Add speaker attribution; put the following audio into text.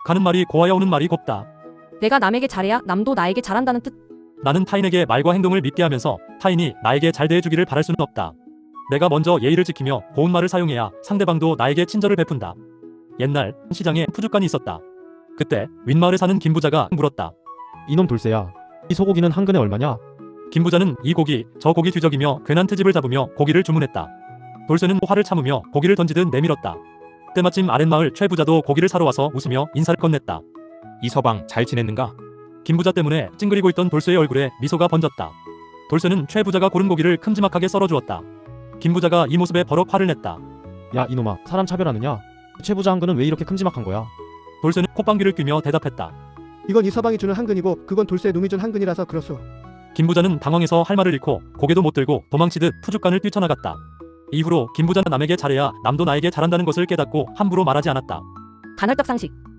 Speaker 1: 가는 말이 고와야 오는 말이 곱다.
Speaker 2: 내가 남에게 잘해야 남도 나에게 잘한다는 뜻.
Speaker 1: 나는 타인에게 말과 행동을 믿게 하면서 타인이 나에게 잘 대해주기를 바랄 수는 없다. 내가 먼저 예의를 지키며 고운 말을 사용해야 상대방도 나에게 친절을 베푼다. 옛날 시장에 푸주간이 있었다. 그때 윗마을에 사는 김부자가 물었다.
Speaker 3: 이놈 돌쇠야, 이 소고기는 한 근에 얼마냐?
Speaker 1: 김부자는 이 고기 저 고기 뒤적이며 괜한 트집을 잡으며 고기를 주문했다. 돌쇠는 화를 참으며 고기를 던지듯 내밀었다. 때마침 아랫마을 최부자도 고기를 사러 와서 웃으며 인사를 건넸다.
Speaker 4: 이 서방 잘 지냈는가?
Speaker 1: 김부자 때문에 찡그리고 있던 돌쇠의 얼굴에 미소가 번졌다. 돌쇠는 최부자가 고른 고기를 큼지막하게 썰어주었다. 김부자가 이 모습에 버럭 화를 냈다.
Speaker 3: 야 이놈아, 사람 차별하느냐? 최부자 한 근은 왜 이렇게 큼지막한 거야?
Speaker 1: 돌쇠는 콧방귀를 뀌며 대답했다.
Speaker 5: 이건 이 서방이 주는 한근이고 그건 돌쇠 놈이 준 한근이라서 그렇소.
Speaker 1: 김부자는 당황해서 할 말을 잃고 고개도 못 들고 도망치듯 푸주간을 뛰쳐나갔다. 이후로 김부자는 남에게 잘해야 남도 나에게 잘한다는 것을 깨닫고 함부로 말하지 않았다.
Speaker 2: 간헐적 상식.